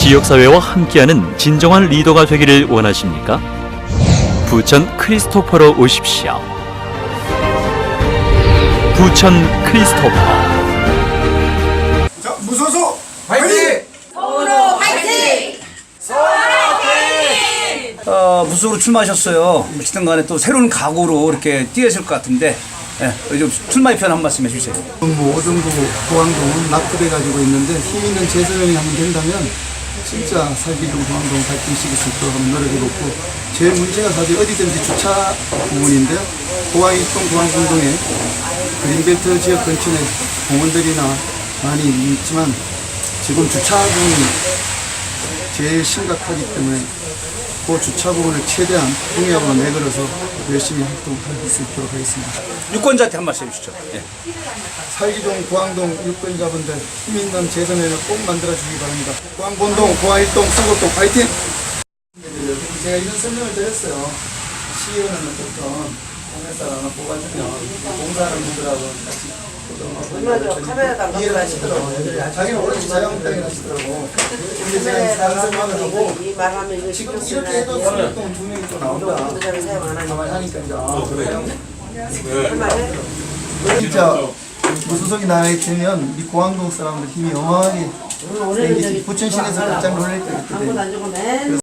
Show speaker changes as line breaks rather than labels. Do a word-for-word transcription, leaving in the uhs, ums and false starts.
지역사회와 함께하는 진정한 리더가 되기를 원하십니까? 부천 크리스토퍼로 오십시오. 부천 크리스토퍼.
자, 무소속 화이팅!
서울로 화이팅! 서울 화이팅!
어, 무소속으로 출마하셨어요. 어쨌든 간에 또 새로운 각오로 이렇게 뛰으실 것 같은데, 예, 좀 출마의 편 한 말씀 해주세요.
뭐 오정도, 고항동은 낙후돼 가지고 있는데 힘 있는 재선명이 하면 된다면 진짜 살기동, 고항동 발전시킬 수 있도록 한번 노력해보고, 제일 문제가 사실 어디든지 주차 부분인데요. 고항일동, 고항공동에 그린벨트 지역 근처에 공원들이나 많이 있지만 지금 주차 부분이 제일 심각하기 때문에 그 주차 부분을 최대한 공약으로 내걸어서 열심히 활동할 수 있도록 하겠습니다.
유권자한테 한 말씀 해주시죠. 예.
살기동, 고항동 유권자분들 힘 있는 재선회를 꼭 만들어주기 바랍니다. 고항본동, 고항일동, 수곡동 파이팅! 제가 이런 설명을 드렸어요. 시의원은 어떻든 공사를 뽑아주면 공사하는 분들하고 같이
카메라도
이해를 하시더라고요. 자기는 오로지 자영업당에 하시더라고. 근데 제가 상상만을 하고
이 말하면 이거
지금
신경
이렇게 해도
쓰는
수곡동 두 명이 또 나온다.
분들은 사용 안 하니까.
가만히 하니까 이제 아, 그래요?
얼마에?
진짜 무소속이 나이 되면 이 고항동 사람들 힘이 어마어마하게 생기지. 부천시내에서 깜짝 놀랄 거기 때문에.
안 주고 맨